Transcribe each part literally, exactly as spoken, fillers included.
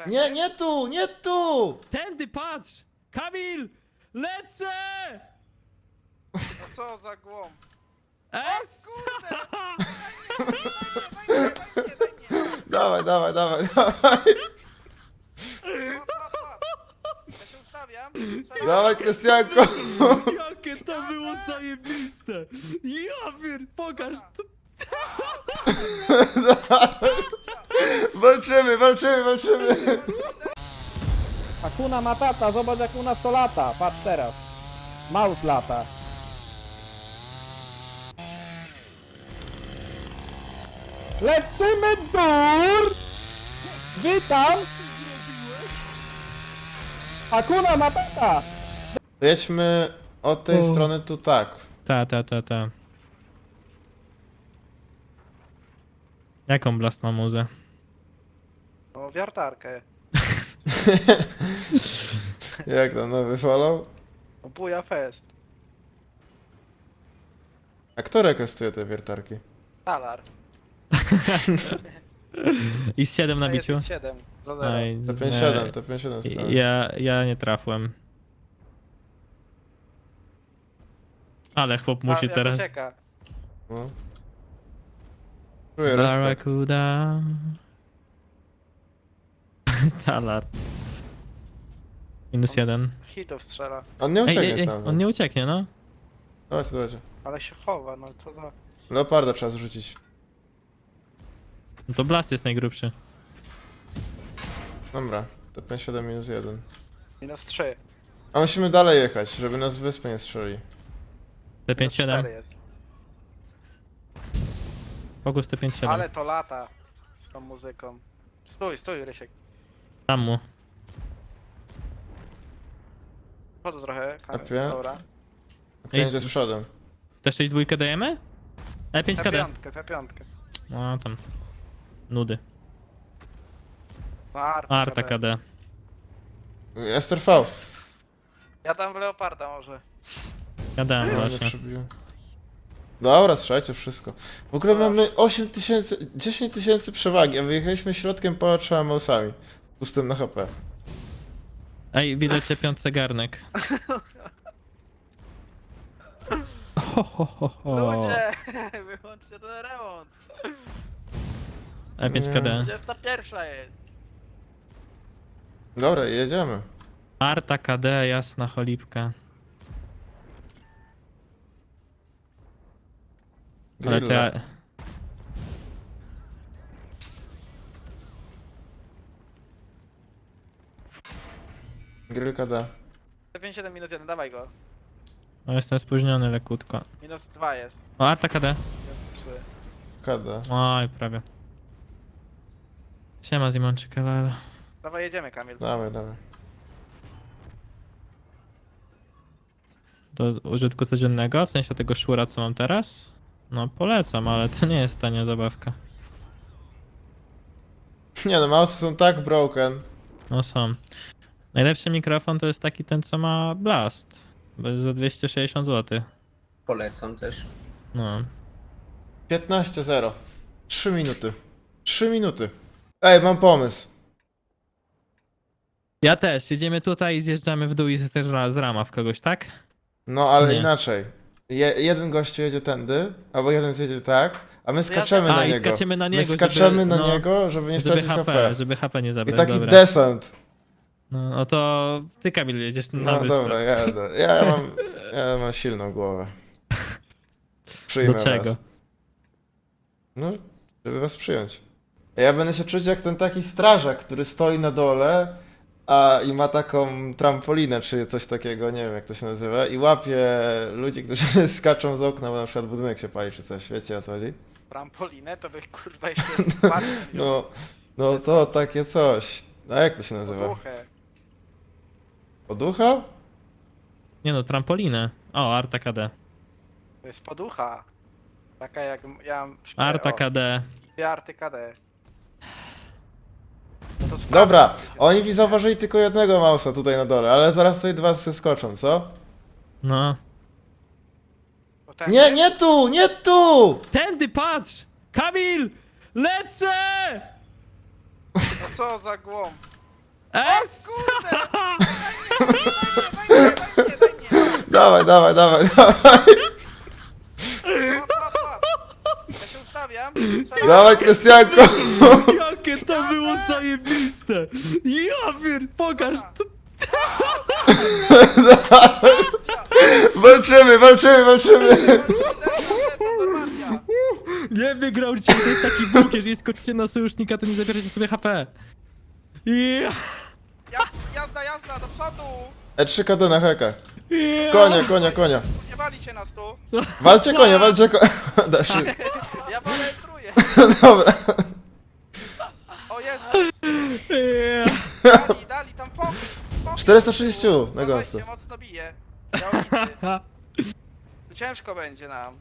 Tędy? Nie, nie tu, nie tu! Tędy, patrz! Kamil! Lecę! No co za głąb. Es! Kurde! Daj mnie, daj mnie, daj mnie. Dawaj, dawaj, dawaj, dawaj. Łap, łap, łap. Ja się ustawiam. Strzelam. Dawaj, Krystianko. Jakie to było zajebiste! Ja pier... pokaż to! Walczymy, walczymy, walczymy. Hakuna Matata, zobacz jak u nas to lata. Patrz teraz. Maus lata. Lecimy dur! Witam! Hakuna Matata! Jedźmy od tej O. strony tu tak. Ta, ta, ta, ta. Jaką Blast ma muzę? O, wiertarkę. Jak tam nowy follow? O, buja fest. A kto rekestuje te wiertarki? Talar. I z siedem na To jest biciu? siedem za zero. Oj, T pięćdziesiąt siedem, T pięćdziesiąt siedem sprawy. Ja, ja nie trafłem. Ale chłop musi A, jak teraz... ucieka. No. Czuję respekt. Barracuda. Talar. Minus On jeden. z hitów strzela. On nie Ej, ucieknie ej, ej, stamtąd. on nie ucieknie, no. Dawajcie, dawajcie. Ale się chowa, no co za... Leoparda trzeba zrzucić. No to Blast jest najgrubszy. Dobra, T pięćdziesiąt siedem minus jeden. Minus trzy. A musimy dalej jechać, żeby nas z wyspy nie strzeli. T pięćdziesiąt siedem. cztery jest. Fokus T pięćdziesiąt siedem. Ale to lata z tą muzyką. Stój, stój, Rysiek. Tam mu. Chodź trochę, Kamil. Apie? Dobra. Pięć jest przodem. Te sześć dwójkę dajemy? E pięć K D. F pięć. No tam. Nudy. No, Arta, Arta K D. Ester V. Ja tam w Leoparda może. Ja dałem No, nie właśnie. przebiłem. Dobra, strzelajcie wszystko. W ogóle Dobra. mamy osiem tysięcy, dziesięć tysięcy przewagi, a wyjechaliśmy środkiem pola trzema mausami. Pustym na H P. Ej, widać się piątce garnek. Ho, ho, ho, ho. Ludzie, wyłączcie ten remont. E pięć K D. dwudziesta pierwsza jest. Dobra, jedziemy. Arta K D, jasna cholipka. Ale Grilla. te... Grill K D. T pięćdziesiąt siedem minus jeden, dawaj go. O, jestem spóźniony lekutko. Minus dwa jest. O, Arta K D. Minus trzy. K D. Oj, prawie. Siema Zimonczyk, ale... Dawaj, jedziemy, Kamil. Dawaj, dawaj. Do użytku codziennego, w sensie tego szura, co mam teraz? No polecam, ale to nie jest tania zabawka. Nie no, mousy są tak broken. No są. Najlepszy mikrofon to jest taki ten, co ma Blast. Bo jest za dwieście sześćdziesiąt złotych. Polecam też. No. piętnaście zero. trzy minuty. trzy minuty. Ej, mam pomysł. Ja też. Jedziemy tutaj i zjeżdżamy w dół i też z rama w kogoś, tak? No ale nie? inaczej. Je, jeden gościu jedzie tędy, albo jeden zjedzie tak, a my skaczemy A, na i niego. skaczemy na niego, My skaczemy żeby, na no, niego, żeby nie żeby stracić H P, H P. żeby H P nie I zabrać, taki dobra. desant. No, no to ty, Kamil, jedziesz na No wyspę. dobra, jadę. Ja mam, ja mam silną głowę. Przyjmę Do czego? was. No, żeby was przyjąć. Ja będę się czuć jak ten taki strażak, który stoi na dole a i ma taką trampolinę czy coś takiego, nie wiem jak to się nazywa, i łapie ludzi, którzy skaczą z okna, bo na przykład budynek się pali czy coś, wiecie o co chodzi? Trampolinę to bych kurwa jeszcze spadł. No, no to takie coś. A jak to się nazywa? Głuche. Poducha? Nie no, trampolinę. O, Arta K D. To jest poducha. Taka jak ja mam... Arta K D. Dwie arty K D. No to spadł. Dobra, oni mi zauważyli tylko jednego mausa tutaj na dole, ale zaraz tutaj dwa zeskoczą, co? No. Bo ten- Nie, nie tu, nie tu! Tędy, patrz! Kamil! Lecę! No co za głąb. Es! Kurde! Daj mnie, daj mnie, daj mnie, daj mnie, daj mnie. Dawaj, dawaj, dawaj, dawaj. Łap, łap, łap. Ja się ustawiam. Strzelam. Dawaj, Krystianko. Jakie to było zajebiste! Ja pier... pokaż to! Walczymy, walczymy, walczymy. Normacja. Nie wygrał cię, to jest taki bóg, jeżeli skoczycie na sojusznika, to nie zabieracie sobie H P. Ja, Jazda, jazda, jazda, do przodu. E trzy K D na hekach. ja. Konia, konia, konia. Nie wali się nas tu. Walcie konia, walcie konia. Da się. Ja walentruję. Dobra. O Jezus. Ja. Dali, dali, tam fokus. fokus. czterysta trzydzieści na Dawajcie, gąsce. mocno bije. Ja tu ciężko będzie nam.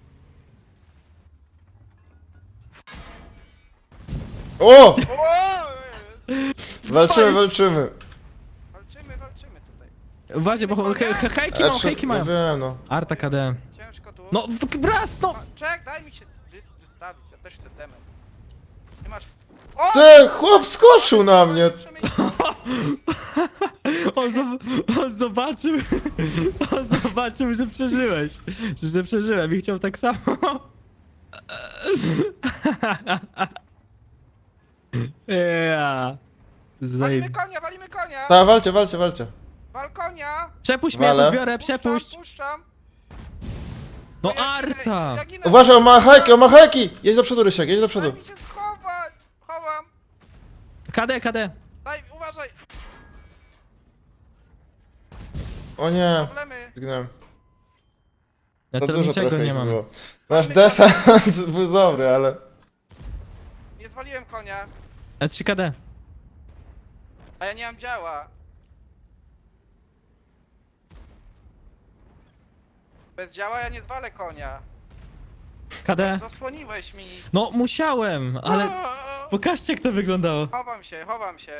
O! O! Walczymy, walczymy. Walczymy, walczymy tutaj. Uważaj, bo he, he, hejki E mają, trzy, hejki no mają. wiem, no. Arta K D. Ciężko tu. No, w- raz, no! Ma- Czek, daj mi się wys- wystawić, ja też chcę temat. Nie masz... O! Ty, chłop skoczył na mnie. Przemyślał. On, zob- on zobaczył, on zobaczył, że przeżyłeś, że przeżyłem i chciał tak samo. Ja. Walimy Zajeb... konia, walimy konia! Ta, walcie, walcie, walcie. Wal konia! Przepuść mnie, Wale. to zbiorę, przepuść. Puszczam, puszczam. No ja ginę, Arta! ja ginę. Uważaj, on ma hajki, on ma hajki. Jedź do przodu, Rysiek, jedź do przodu. Daj mi się schować! Chowam! K D, K D. Daj, uważaj! O nie, Problemy! zginąłem. Ja To dużo celowniczego trochę nie ich mam. było. Nasz desant był dobry, ale... Nie zwaliłem konia, E trzy K D. a ja nie mam działa. Bez działa ja nie zwalę konia. K D. Zasłoniłeś mi. No musiałem, ale O, pokażcie jak to wyglądało. chowam się, chowam się.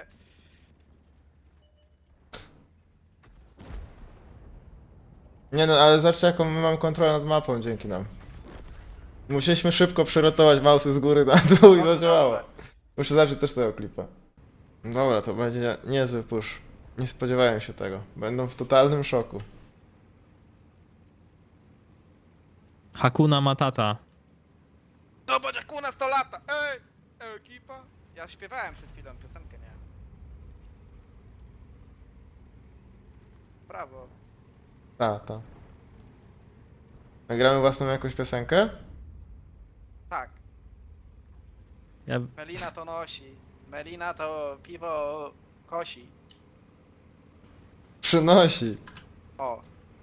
Nie no, ale zobaczcie jaką my mamy kontrolę nad mapą dzięki nam. Musieliśmy szybko przerotować mausy z góry na dół i zadziałało. Muszę zacząć też tego klipa. Dobra, to będzie niezły push. Nie spodziewałem się tego. Będą w totalnym szoku. Hakuna Matata. Zobacz jak u nas to lata! Ej! Ekipa! Ja śpiewałem przed chwilą piosenkę, nie? Brawo. Ta, ta. Nagramy własną jakąś piosenkę? Tak. Ja... Melina to nosi. Melina to piwo kosi. Przynosi. O.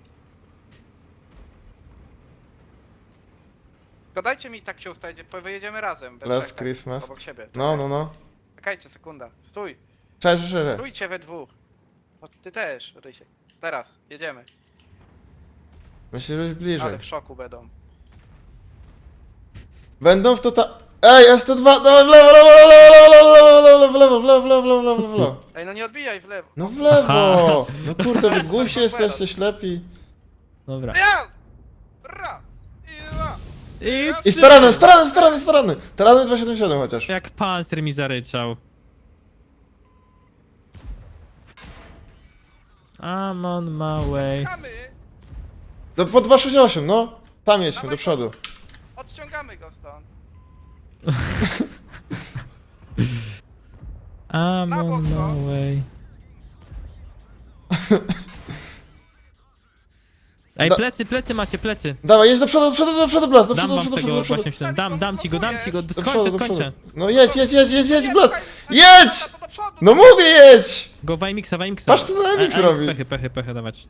Gadajcie mi tak się ustawić, wyjedziemy razem. Bez Last czekać, Christmas. Obok siebie. No, no, no. Czekajcie, sekunda. Stój. Cześć, cześć. Stójcie we dwóch. O, ty też, Rysiek. Teraz, jedziemy. Musisz być bliżej. Ale w szoku będą. Będą w total... Ej, S T dwa, dawaj w lewo, lewo, lewo, lewo, lewo, lewo, lewo, lewo, lewo, lewo, w lewo. Ej, no nie odbijaj w lewo. No w lewo! No kurde, wy głusi jesteście, ślepi. Dobra. Raz! Raz! I dwa! I, I trzy. starany, starany, starany, starany! Starany dwieście siedemdziesiąt siedem chociaż. Jak panster mi zaryczał. I'm on my way. Chamy! Do, po dwieście sześćdziesiąt osiem, no. Tam jedźmy, do przodu. Odciągamy go stąd. I'm Na on bok, no. my way. Ej, Da- plecy, plecy macie, plecy. Dawaj, jedź do przodu, do przodu, do przodu, Blas, do Dam przodu, do wam przodu, do tego przodu, do przodu. właśnie myślałem. Dam, dam ci go, dam ci go. Do Skończę, przodu, do przodu. skończę. No jedź, jedź, jedź, jedź, jedź, Nie, Blas! czekaj, Jedź! to do przodu, No do mówię, jedź! Go Wajmiksa, Wajmiksa. Patrz, co ten Wajmix E, e, robi. Pechy, pechy, pechy dawać.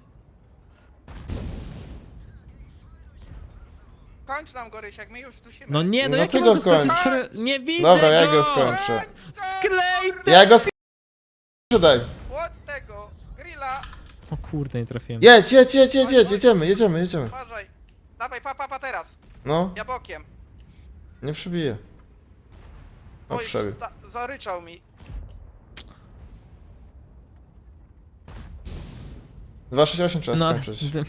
Kończ nam go, Rysiek, my już dusimy. No nie, no No jak ty ja go mogę skończyć, kończ. skoro nie widzę Dobra, ja go. go skończę. Sklej te- Ja go sprzedaj. Od tego, grilla, O kurde, nie trafiłem. Jedź, jedź, jedź, jedź, jedź, jedziemy, jedziemy, jedziemy. uważaj. Dawaj, pa, pa, pa teraz. No, Ja bokiem. nie przebiję. O, Oj, przebił. sta- zaryczał mi. dwieście sześćdziesiąt osiem trzeba No, skończyć. d-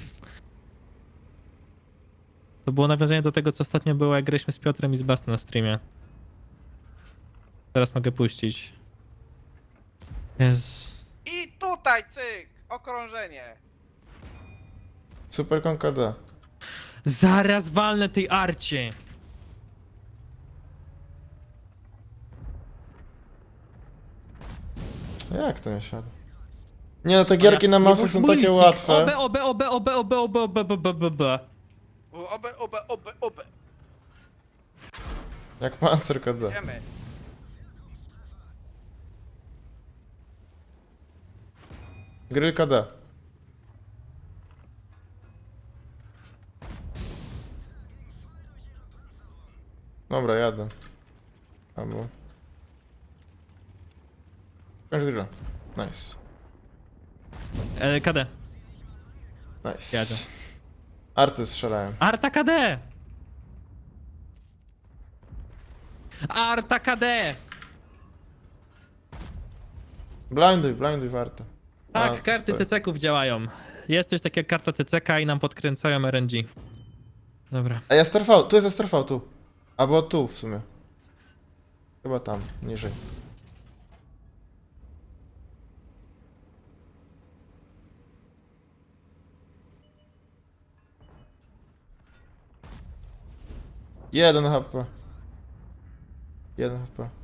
to było nawiązanie do tego, co ostatnio było, jak graliśmy z Piotrem i z Bastem na streamie. Teraz mogę puścić. Jezu. I tutaj, cyk! Okrążenie. Super konka D. Zaraz walnę tej arcie. Jak to nie siada? Nie no, te gierki na mouse są takie łatwe. Obe, obe, obe, obe, obe, obe, obe, obe, obe, obe. Obe, obe, obe, obe. Jak Panzer D. Wiemy. Grylka D. Dobra, jadę. Albo... Kończ grilla. Nice. E, K D. Nice. Jadę. Arty strzelałem. Arta K D! Arta K D! Blinduj, blinduj warto. Tak, A, karty stoi. T C ków działają. Jest coś takiego jak karta T C K i nam podkręcają R N G. Dobra. A jest R V, tu jest R V, tu. Albo tu w sumie. Chyba tam, niżej. Jeden H P. Jeden H P.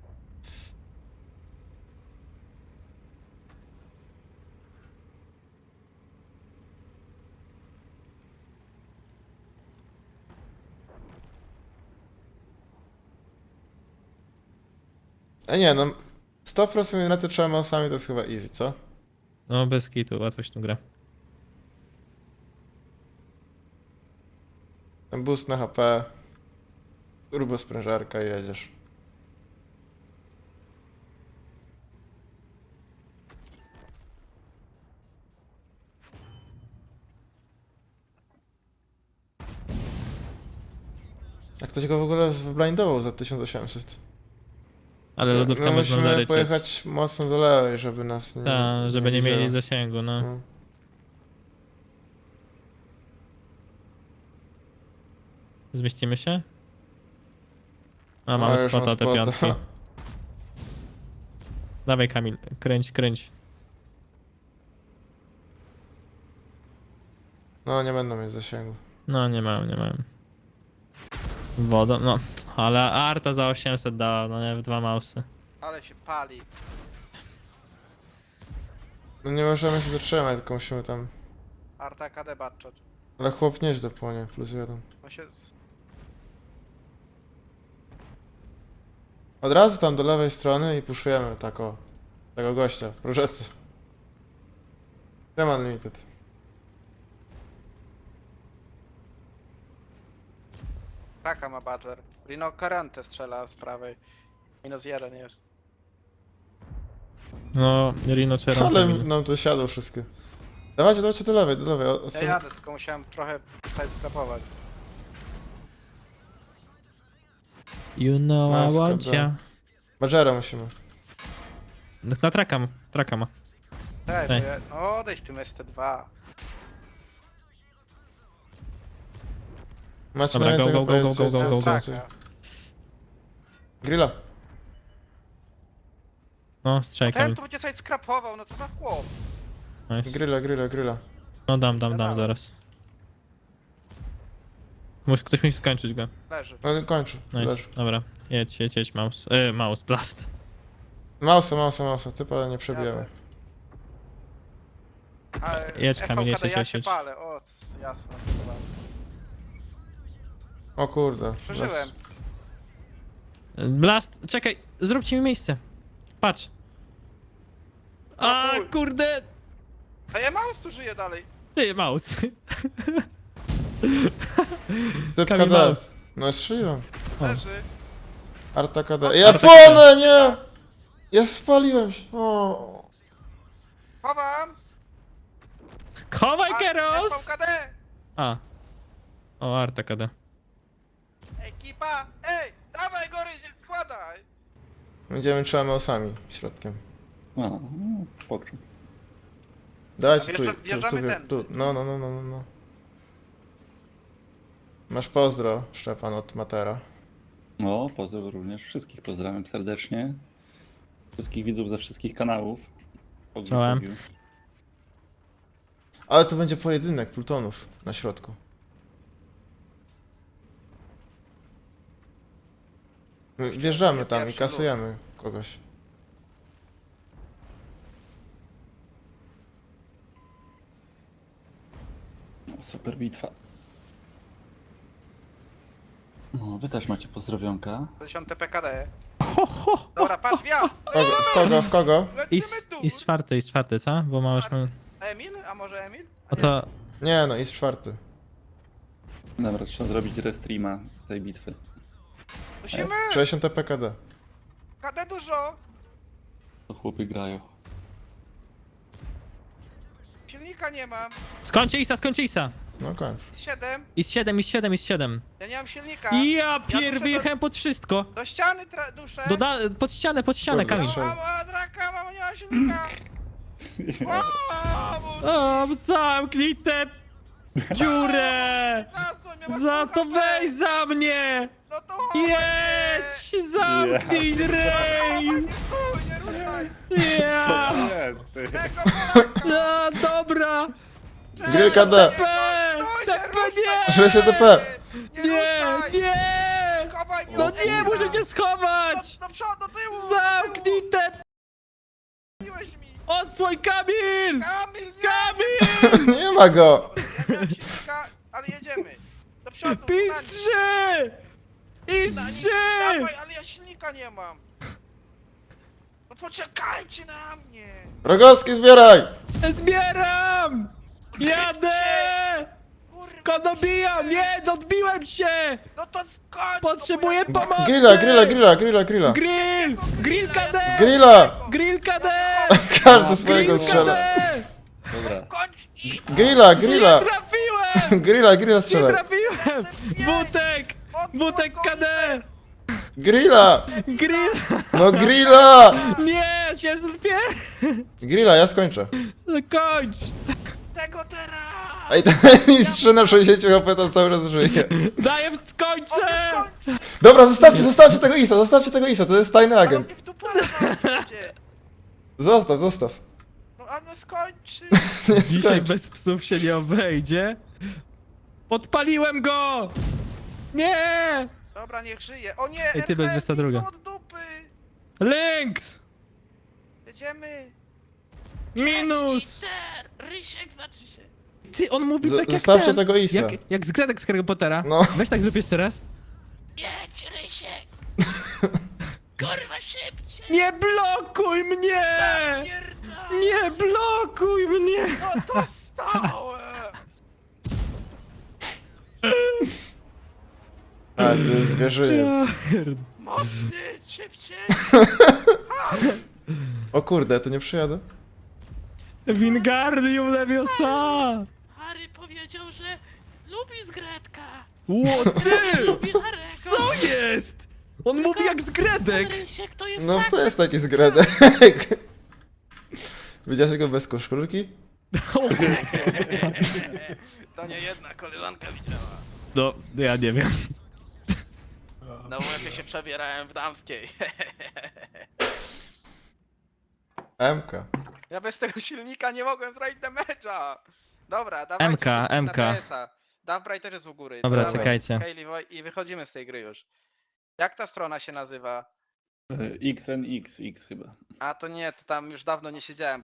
A nie, no sto procent na te trzema osami to jest chyba easy, co? No bez kitu, łatwo się tu gra. Ten boost na H P. Turbo sprężarka i jedziesz. Jak ktoś go w ogóle wyblindował za tysiąc osiemset. Ale lodówka no, można musimy zaryczeć. pojechać mocno do lewej, żeby nas nie... Tak, żeby nie mieli widziało. zasięgu, no. No. Zmieścimy się? A, A, mamy już mam spota te spota. piątki. Dawaj Kamil, kręć, kręć. No, nie będą mieć zasięgu. No nie mam, nie mam. Wodą, no. Ale Arta za osiemset dała, no nie, w dwa mausy. Ale się pali. No nie możemy się zatrzymać, tylko musimy tam... Arta K D Batchot. Ale chłop nieźle płonie, plus jeden. On się... z- Od razu tam do lewej strony i puszujemy tak o... Tego gościa, w prożece. Tem Unlimited. Kraka ma Badger. Rino Karante strzela z prawej. Minus jeden jest. No, Rino Cheron. Ale nam to siadło wszystkie. Dawajcie, dawajcie do lewej, do lewej. O, o, Ja jadę, tylko musiałem trochę tutaj skrapować. You know I Maska, want da. ya. Badgera musimy. Na traka ma, traka ma. Tak, bo Ej. ja... No odejdź tym S T dwa. Macie Dobra, na go, więcej go, go, go, go, go, go, go. Traka. Grilla. No, strzelaj Ten Kamil. tu będzie sobie skrapował, no co za chłop. Nice. Grilla, grilla, grilla. No dam, dam, dam Dawaj. zaraz. Musi, ktoś musi skończyć go. Leży. No kończę. Nice, Leży. dobra. Jedź, jedź, jedź, mouse. E, mouse, blast. Mausa, mausa, mausa. Typa nie przebijemy. Ale Jedź, Kamil, jedź, F V K D, jedź, ja jedź, się jedź. palę, o s- jasno. Dobra. O kurde. Przeżyłem. Blast, czekaj, zróbcie mi miejsce. Patrz. A, chuj. kurde. A ja mouse tu żyje dalej. Ty, mouse. Typ Kamil K D. mouse. No strzeliłem. O. Leży. Arta K D. O, Ja Arta płonę, nie! Ja spaliłem się. O. Chowam! Chowaj, A, Kerol! F V K D! A. O, Arta K D. Ekipa! Ej! Dawaj gory się składaj! Będziemy trzema osami środkiem. A, no, pokrzep. Dajcie A tu, wjeżdża- tu, wjeżdżamy tu, tędy. tu. No, no, no, no, no, no. Masz pozdro, Szczepan, od Matera. No, pozdrow również. Wszystkich pozdrawiam serdecznie. Wszystkich widzów ze wszystkich kanałów. Czołem. Pozdrowił. Ale to będzie pojedynek plutonów na środku. My Wjeżdżamy tam i Pierwszy kasujemy kogoś. No, super bitwa. No, wy też macie pozdrowionka. dziesiąte P K D. Ho, ho. Dobra, patrz, wjazd! Kogo, w kogo, w kogo? I, Lecimy s- tu! I z czwartej, i z czwartej, co? Bo ma już... Emil? A może Emil? A O nie. to... Nie no, jest czwarty. Dobra, trzeba zrobić restreama tej bitwy. Musimy! sześćdziesiąt P K D. K D dużo! To chłopy grają. Silnika nie mam. Skończę Isa, skończę Isa! No kończ. siedem. I z siedem, i z siedem, i z siedem. Ja nie mam silnika. Ja duszę pier, wyjechałem pod wszystko. Do ściany tra- duszę. Do da pod ścianę, pod ścianę, Kurde, Kamil. strzel. Mamo, a draka, mamo, nie ma silnika. Mamo, O, zamknij tę dziurę! za co mnie masz Za to słuchać? weź za mnie! No to chodź! Jedź! Zamknij Chowaj, rej! nie stój, nie ruszaj! Ja! jest, ty? Tego Polaka! No, dobra! Grill K D. P! T P nie! sześćdziesiąt D P! Nie, ruszaj! nie! Chowaj mnie No od nie, Emila. muszę cię schować! Do, do przodu, do tyłu! Zamknij te... Zamknij mi! Odsłoń Kamil! Kamil, nie! Kamil! Nie ma go! Ja miałem silnika, ale jedziemy. Do przodu, Pistrzy! Dawaj, Istrzy! dawaj, ale ja silnika nie mam. No poczekajcie na mnie. Rogowski, zbieraj! Zbieram! Jadę! Kurwa, Skąd dobijam? Nie, odbiłem się! No to skończ. Potrzebuję no bo ja- pomocy! Grilla, grilla, grilla, grilla, grilla. Grill! Grill K D! Grilla! Grill K D! Każdy swojego Grill strzela. K D! Dobra. Kończ i... Grilla, grilla! Nie trafiłem! Grilla, grilla Nie strzelaj. trafiłem! Wutek! Wutek K D! Grilla! Grill! No grilla! Nie! siedemset pięć! Grilla, ja skończę. No kończ! Tego teraz. Ej, ten mistrz na sześćdziesiąt H P tam cały czas żyje. Daję, O, skończę! ty skończ. Dobra, zostawcie, zostawcie tego Isa, zostawcie tego Isa, to jest tajny Ale on agent. mnie w dupę będzie. Zostaw, zostaw. No ale no skończy. Nie Dzisiaj skończ. bez psów się nie obejdzie. Podpaliłem go! Nie! Dobra, niech żyje. O nie, Ej, ty, bez R H, dwudziesta druga. mi od dupy. Lynx! Jedziemy. Minus! Inter, Rysiek znaczy się. Ty, on mówi Z- tak jak zostawcie ten. tego Isa. Jak, jak z Gredek z Harry Pottera. No. Weź tak zrób jeszcze raz. Jedź, Rysiek. Kurwa, szybciej. Nie blokuj mnie! Pierdolę. Nie blokuj mnie! No to stałem. A, tu jest zwierzyniec. Mocny, szybciej. O kurde, to nie przyjadę. Wingardium Leviosa! Harry powiedział, że lubi zgredka. Ło, ty! Lubi Harego. Co jest? On mówi jak z Gredek! Rysiek to jest No tak. to jest taki zgredek. Widziałeś go bez koszulki? To nie jedna koleżanka widziała. No, ja nie wiem. No bo jak ja się przebierałem w damskiej. M K. Ja bez tego silnika nie mogłem zrobić damage'a. Dobra, dawajcie M K, wszyscy M K. na T S a. Dawaj też jest u góry. Dobra, Dawaj, czekajcie. Hayley, Woj- i wychodzimy z tej gry już. Jak ta strona się nazywa? E, X N X, X chyba. A to nie, to tam już dawno nie siedziałem.